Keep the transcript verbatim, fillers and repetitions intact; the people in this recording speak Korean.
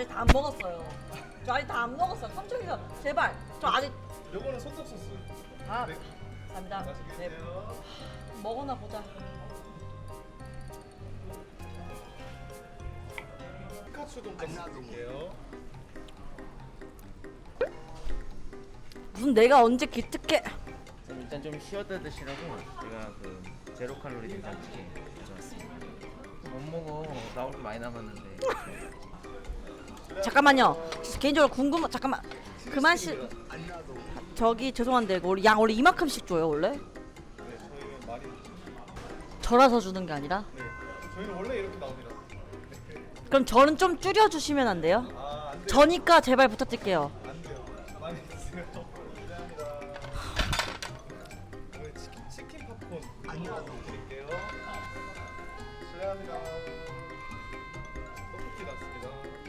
아직 다 안 먹었어요. 저 아직 다 안 먹었어요. 삼촌이가 제발. 저 아직. 요거는 소떡 소스. 아, 네. 감사합니다. 맛있게 네. 드세요. 먹어나 보자. 피카츄 돈까스 드릴게요. 무슨 내가 언제 기특해? 일단 좀 쉬었다 드시라고 제가 그 제로 칼로리 된장찌개 가져왔습니다. 못 먹어. 나올 게 많이 남았는데. 잠깐만요. 개인적으로 궁금한 잠깐만. 그만 시. 저기 죄송한데 이거 원래 양 원래 이만큼씩 줘요 원래? 네, 저희는 많이. 절아서 주는 게 아니라? 네, 저희는 원래 이렇게 나옵니다. 그럼 저는 좀 줄여 주시면 안 돼요? 아, 안 돼요. 저니까 제발 부탁드릴게요.